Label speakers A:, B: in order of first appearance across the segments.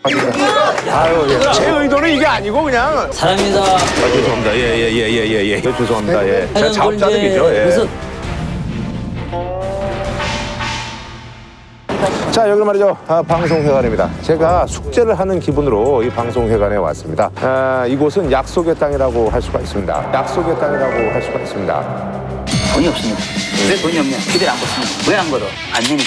A: 아유, 예. 제 의도는 이게 아니고 그냥.
B: 사랑입니다.
A: 아, 죄송합니다. 예. 죄송합니다. 예. 제가 자업자득이죠. 예.
B: 그래서
A: 자, 여기 말이죠. 방송회관입니다. 제가 숙제를 하는 기분으로 이 방송회관에 왔습니다. 이곳은 약속의 땅이라고 할 수가 있습니다. 약속의 땅이라고 할 수가 있습니다.
C: 돈이 없습니다. 왜 돈이 없냐? 기대를 안 걷습니다. 왜 안 걸어? 안 되니까.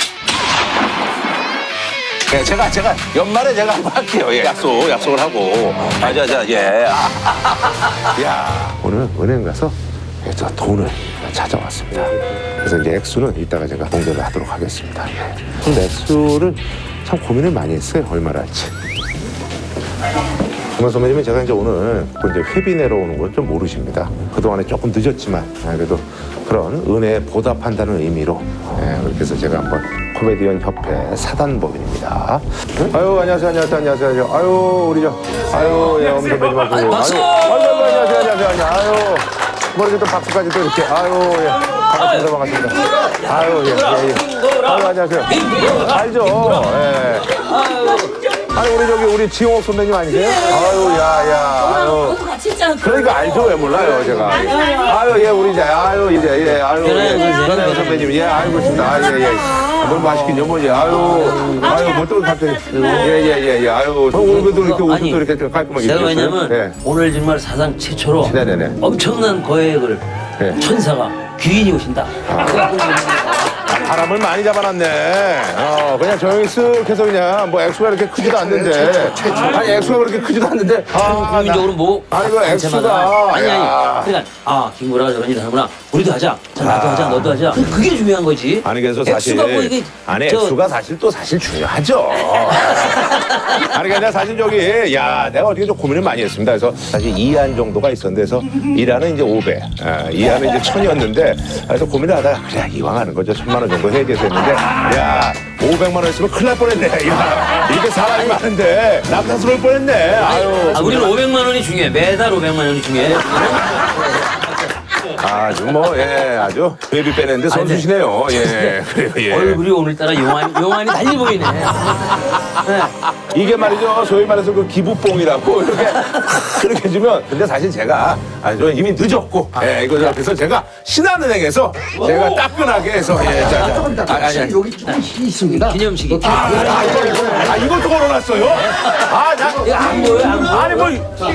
A: 예, 제가 연말에 제가 한번 할게요. 예, 약속을 하고. 예. 야, 오늘 은행 가서 저 돈을 찾아왔습니다. 그래서 이제 액수는 이따가 제가 공개를 하도록 하겠습니다. 예. 근데 액수를 참 고민을 많이 했어요. 얼마나 할지. 정말 선배님은 제가 이제 오늘 이제 회비 내러 오는 걸 좀 모르십니다. 그동안에 조금 늦었지만 그래도 그런 은혜에 보답한다는 의미로 그렇게 해서 제가 한번 코미디언 협회 사단법인입니다. 아유, 안녕하세요. 아유, 우리 예, 엄 선배님하고.
B: 박수!
A: 안녕하세요. 아유, 머리 또 박수까지 또 이렇게. 아유, 예. 반갑습니다. 아유, 예. 아유, 안녕하세요. 알죠? 예. 아니, 우리 지용옥 선배님 아니세요? 아유, 아유.
D: 같이 있잖아.
A: 그러니까 알죠? 왜 몰라요, 제가. 아유, 예, 우리 아유, 변혜영 선배님. 예, 알고 있습니다. 예. 너무 맛있긴요, 뭐지. 뭐 또 갑자기. 예. 아유, 오늘도 이렇게 옷도 이렇게 깔끔하게
B: 제가
A: 입으셨어요?
B: 왜냐면
A: 예.
B: 오늘 정말 사상 최초로
A: 네네네.
B: 엄청난 거액을
A: 네.
B: 천사가 귀인이 오신다.
A: 바람을 많이 잡아놨네. 그냥 조용히 쓱 해서 그냥 뭐 액수가 이렇게 크지도 않는데. 아니, 액수가 그렇게 크지도 않는데.
B: 국민적으로 뭐
A: 아니, 그 액수가.
B: 아니.
A: 야.
B: 그러니까 김구라가 저런 일 하는구나. 우리도 하자. 자, 나도 하자. 너도 하자. 그게 중요한 거지.
A: 아니, 그래서 사실.
B: 액수가 뭐 이게
A: 액수가 사실 중요하죠. 아니, 그냥 사실 내가 어떻게 좀 고민을 많이 했습니다. 그래서 사실 2안 정도가 있었는데, 그래서 1안은 이제 500, 2안은 이제 1000이었는데, 그래서 고민을 하다가, 그래, 이왕 하는 거죠. 1000만 원 정도 해야 됐는데, 야, 500만 원 있으면 큰일 날 뻔했네. 야, 이렇게 사람이 많은데, 남탓스러울 뻔했네. 아유.
B: 우리는 500만 원이 중요해. 매달 500만 원이 중요해.
A: 아주 아주 베이비 빼냈는데 선수시네요. 예, 그래요, 예.
B: 얼굴이 오늘따라 용안이 달리 보이네.
A: 이게 말이죠. 소위 말해서 그 기부뽕이라고 그렇게 주면. 근데 사실 제가 이미 늦었고, 그래서 제가 신한은행에서 제가 따끈하게 해서,
E: 여기 조금씩 있습니다.
B: 기념식이.
A: 이것도 걸어놨어요?
B: 안 보여, 안 보여.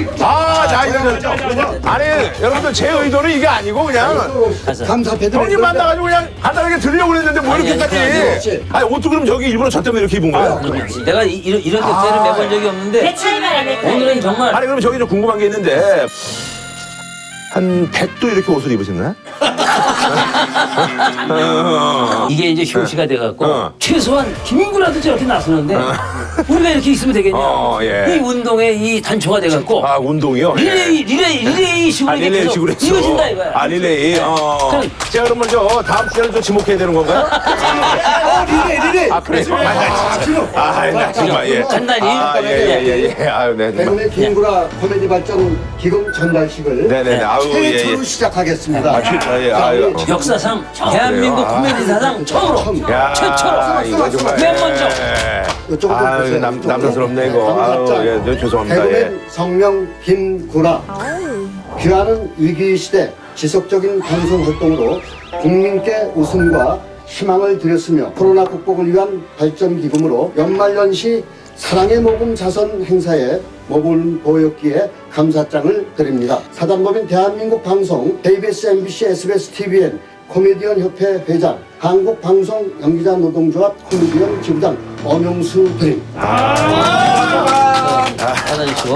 A: 아니, 여러분들 제 의도는 이게 아니고 그냥
E: 감사패드
A: 형님 만나가지고 그냥 간단하게 들으려고 그랬는데 뭐 이렇게까지. 아니, 옷도 그럼 저기 일부러 저 때문에 이렇게 입은 거예요?
B: 내가 이런 격세를 매본 적이 없는데
D: 내 차이만 해.
B: 오늘은 정말
A: 아니, 그럼 저기 좀 궁금한 게 있는데 한 100도 이렇게 옷을 입으셨나요?
B: 이게 이제 효시가 돼갖고 최소한 김구라도 저렇게 나서는데 우리가 이렇게 있으면 되겠냐?
A: 예.
B: 이 운동에 이 단초가 돼갖고
A: 운동이요?
B: 리레이 식으로 이렇게
A: 리레이
B: 계속
A: 식으로 했어.
B: 이어진다 이거야.
A: 리레이. 제가 그러면 다음 주에는 좀 지목해야 되는 건가요?
E: 리레이.
A: 그래. 나 정말, 예.
B: 간단히.
A: 예. 아유, 네.
E: 대구의 김구라 코미디 발전 기금 전달식을
A: 네네네. 아유,
E: 최초로 시작하겠습니다.
A: 아유.
B: 역사상 대한민국 코미디 사상 처음으로
A: 야,
B: 최초로
A: 이거 정말.
B: 맨 먼저.
E: 이쪽으로 좀
A: 아유,
E: 보세요.
A: 남사스럽네, 이거.
E: 감사장.
A: 아유, 예, 죄송합니다. 예.
E: 대구의 성명 김구라. 귀하는 위기 시대 지속적인 방송 활동으로 국민께 웃음과 희망을 드렸으며 코로나 극복을 위한 발전 기금으로 연말연시 사랑의 모금 자선 행사에 모범을 보였기에 감사장을 드립니다. 사단법인 대한민국 방송 KBS, MBC, SBS, TVN 코미디언 협회 회장, 한국방송 연기자 노동조합 코미디언 지부장 엄영수 드림.
B: 받아주시고.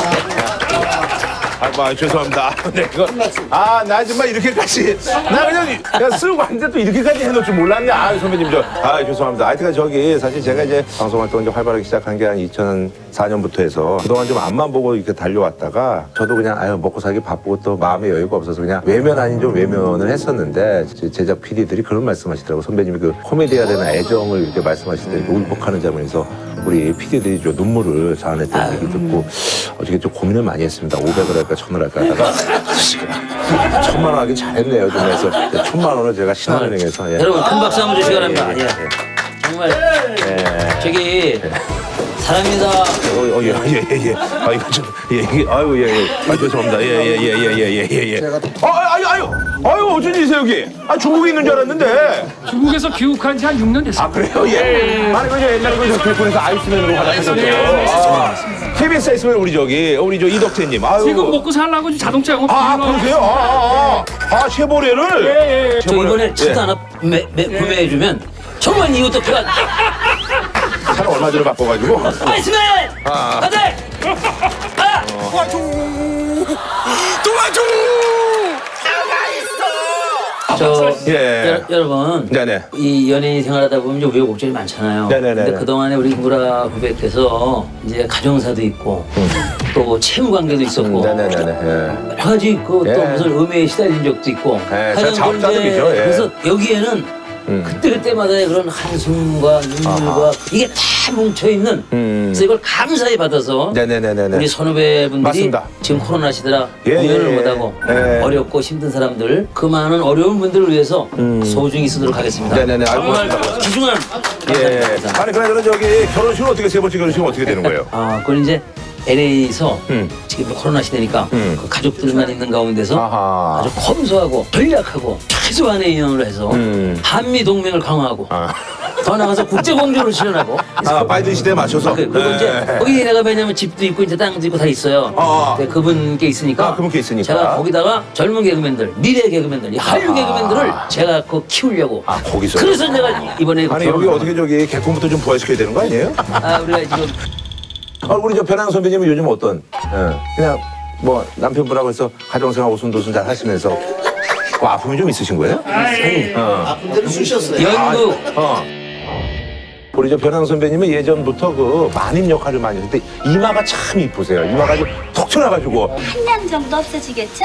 A: 죄송합니다. 네, 나 정말 이렇게까지. 나 그냥 쓰고 왔는데 또 이렇게까지 해놓을 줄 몰랐네. 선배님, 죄송합니다. 하여튼 사실 제가 이제 방송활동 이제 활발하게 시작한 게 한 2004년부터 해서 그동안 좀 앞만 보고 이렇게 달려왔다가 저도 그냥 먹고 살기 바쁘고 또 마음의 여유가 없어서 그냥 외면 아닌 좀 외면을 했었는데 제작 PD들이 그런 말씀 하시더라고요. 선배님이 그 코미디에 대한 애정을 이렇게 말씀하실 때 울컥하는 장면에서 우리 PD들이 좀 눈물을 자아냈다는 얘기 듣고 어떻게 좀 고민을 많이 했습니다. 500을 할까 1000을 할까 하다가 1000만 원 하긴 잘했네요. 좀 해서 1000만 원을 제가 신한은행에서
B: 여러분 큰 박수 한번 주시기 바랍니다. 정말 저기 사랑합니다.
A: 예. 아, 이거 좀, 이게, 아유, 아, 죄송합니다. 예. 아유, 어쩐 일이세요, 여기? 아, 중국에 있는 줄 알았는데.
D: 중국에서 귀국한 지 한 6년 됐습니다.
A: 아, 그래요? 예. 아니, 그죠, 옛날에 그 길거리에서 아이스맨으로 활약하셨대요. KBS에 있으면 우리 저 이덕재님. 아유.
D: 지금 먹고 살라고 자동차 영업
A: 그러세요? 쉐보레를?
D: 예.
B: 저 이번에 차도 하나 구매해주면 정말 이것도 제가
A: 차를 얼마 전에 바꿔가지고.
B: 아이스맨! 다들!
A: 도와줘!
B: 저
A: 예.
B: 여러분
A: 네네.
B: 이 연예인 생활하다 보면 이제 우여곡절이 많잖아요.
A: 네네네.
B: 근데 그동안에 우리 김구라 후배께서 이제 가정사도 있고 또 채무 관계도 있었고
A: 네네네.
B: 여러 가지 있고 또
A: 예.
B: 무슨 음해에 시달린 적도 있고
A: 예,
B: 하여간
A: 자업자득이죠, 예.
B: 그래서 여기에는 그때그때마다의 그런 한숨과 눈물과 이게 다 뭉쳐있는 그래서 이걸 감사히 받아서
A: 네네네네.
B: 우리 선후배분들이
A: 맞습니다.
B: 지금 코로나 시대라
A: 예,
B: 공연을
A: 예,
B: 못하고
A: 예.
B: 어렵고 힘든 사람들 그 많은 어려운 분들을 위해서 소중히 쓰도록 하겠습니다.
A: 네네네. 알고
B: 정말
A: 있습니다.
B: 귀중한
A: 예.
B: 감사합니다.
A: 아니, 그나저나 저기 결혼식은 어떻게, 세 번째 결혼식은 어떻게 되는 거예요?
B: 그건 이제 LA에서
A: 음.
B: 지금 코로나 시대니까 그 가족들만 있는 가운데서
A: 아하.
B: 아주 검소하고 전략하고 최소한의 인원으로 해서 한미 동맹을 강화하고 더 나가서 국제 공조를 실현하고
A: 아, 바이든 시대에 맞춰서.
B: 그리고
A: 예.
B: 이제 거기 내가 왜냐면 집도 있고 이제 땅도 있고 다 있어요. 근데 그분께 있으니까.
A: 아, 그분께 있으니까.
B: 제가 거기다가 젊은 개그맨들, 미래 개그맨들, 이 한류 개그맨들을 제가 그 키우려고.
A: 아, 거기서.
B: 그래서 내가 이번에
A: 아니, 여기 어떻게 저기 개콘부터 좀 부활시켜야 되는 거 아니에요?
B: 우리가 지금
A: 우리 저 변환 선배님은 요즘 어떤? 그냥 뭐 남편분하고 해서 가정생활 오순도순 잘 하시면서 뭐 아픔이 좀 있으신 거예요?
E: 아픈 대로 쑤셨어요.
B: 연극
A: 우리 저 변환 선배님은 예전부터 그 마님 역할을 많이 했는데 이마가 참 이쁘세요. 이마가 좀 톡 튀어나가지고.
F: 한 년 정도 없어지겠죠?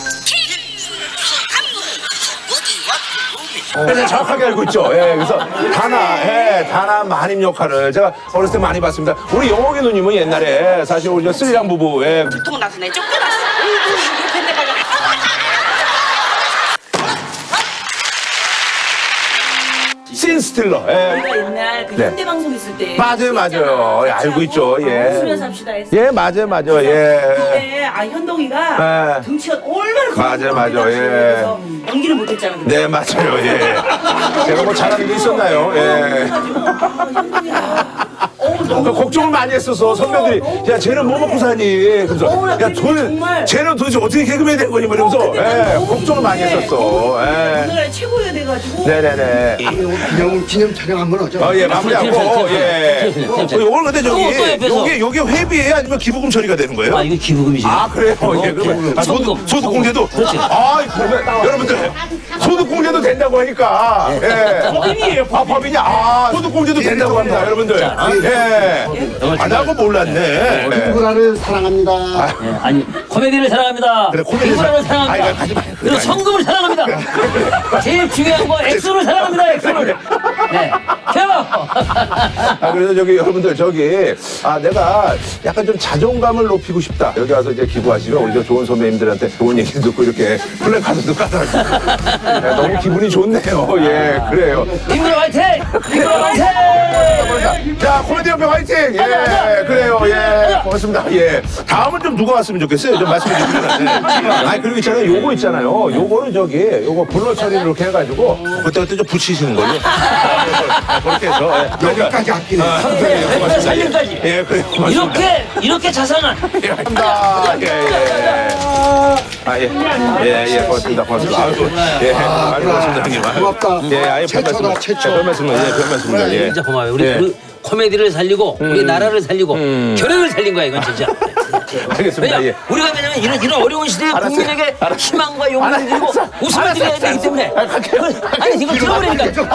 A: 그래서 정확하게 알고 있죠. 예, 그래서 다나 마님 역할을 제가 어렸을 때 많이 봤습니다. 우리 영옥이 누님은 옛날에 사실 우리 저 스리랑 부부,
G: 통 나서 내 쫓겨났어. 옆에 내가
A: 씬스틸러.
G: 우리가 옛날 그
A: 네.
G: 현대 방송 있을 때
A: 맞아요. 예, 알고 있죠. 예.
G: 웃으면서 합시다 했어.
A: 예, 맞아요. 예.
G: 근데 현동이가
A: 예.
G: 등치가 얼마나
A: 맞아요. 예.
G: 그래서 연기를 못했잖아. 그때.
A: 네, 맞아요. 예. 제가 뭐 잘하는 게 있었나요? 예.
G: 그래가지고 현동이가
A: 그 걱정을 많이 했어서 선배들이 야 쟤는 뭐 먹고 사니? 그래서 야
G: 정말.
A: 쟤는 도대체 어떻게 개그맨 된 거니? 뭐 이러면서 예, 걱정을 많이 했었어. 예.
G: 오늘날 최고야 돼가지고.
A: 네네네.
E: 기념 촬영 한번 하죠.
A: 예, 마무리하고 예. 요걸 근데
B: 또 옆에서.
A: 요게 회비예요? 아니면 기부금 처리가 되는 거예요?
B: 이거 기부금이지.
A: 그래요? 예, 그러면 소득 공제도?
B: 그렇지.
A: 그러면 여러분들 소득 공제도 된다고 하니까 예. 법인이에요. 법인이 소득 공제도 된다고 합니다, 여러분들. 예. 나 그거 몰랐네.
E: 김구라를 사랑합니다.
B: 예, 아니 코미디를 사랑합니다.
A: 그래, 코미디를
B: 김구라를
A: 사랑-
B: 사랑합니다.
A: 가지 마.
B: 그리고 성금을 사랑합니다. 제일 중요한 거 엑소를 사랑합니다. 엑소를. 네.
A: 그래서 저기 여러분들 내가 약간 좀 자존감을 높이고 싶다. 여기 와서 이제 기부하시면 우리 저 좋은 선배님들한테 좋은 얘기 듣고 이렇게 플래카드도 깔아주고 너무 기분이 좋네요. 예, 그래요.
B: 김구라 화이팅! 김구라 화이팅!
A: 자, 코미디 연맹 화이팅! 예, 그래요. 예, 고맙습니다. 예. 다음은 좀 누가 왔으면 좋겠어요? 좀 말씀해 주시면. 네. 그리고 있잖아요. 요거 있잖아요. 요거는 요거 블러 처리를 이렇게 해가지고 그때 좀 붙이시는 걸로. 그렇게 해서.
E: 여기까지 아끼네.
A: 고맙습니다.
B: 살림까지.
A: 예, 그래요. 고맙습니다.
B: 이렇게 자상한
A: 예, 감사합니다. 예, 고맙습니다. 고맙습니다. 고맙습니다, 형님.
E: 고맙다.
A: 예,
E: 최초다, 최초.
A: 별 말씀입니다. 예, 별 말씀입니다. 예.
B: 진짜 고마워요. 우리
A: 예.
B: 그 코미디를 살리고 우리 나라를 살리고 결혼을 살린 거야 이건 진짜.
A: 알겠습니다.
B: 왜냐
A: 예.
B: 우리가 왜냐면 이런 어려운 시대에
A: 알았어요.
B: 국민에게 희망과 용기를 드리고 웃음을 드려야 되기 때문에 아니 이걸 들어버리니까.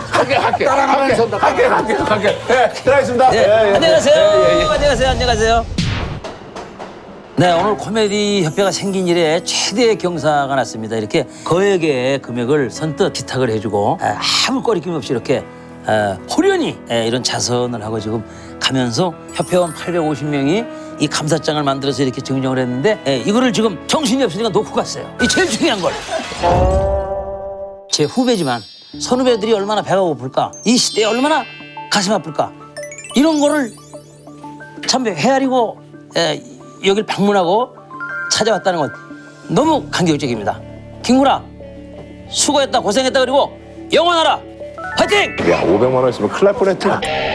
A: 갈게. 예, 들어가겠습니다.
B: 네,
A: 예, 예.
B: 안녕하세요. 안녕하세요. 네, 오늘 코미디 협회가 생긴 이래 최대의 경사가 났습니다. 이렇게 거액의 금액을 선뜻 기탁을 해주고 아무 거리낌 없이 이렇게 호련히 이런 자선을 하고 지금 가면서 협회원 850명이 이 감사장을 만들어서 이렇게 증정을 했는데 이거를 지금 정신이 없으니까 놓고 갔어요. 이 제일 중요한 걸. 제 후배지만 선후배들이 얼마나 배가 고플까, 이 시대에 얼마나 가슴 아플까, 이런 거를 참 헤아리고 여길 방문하고 찾아왔다는 건 너무 감격적입니다. 김구라 수고했다 고생했다 그리고 영원하라 화이팅!
A: 야 500만 원 있으면 큰일 날 뻔했다.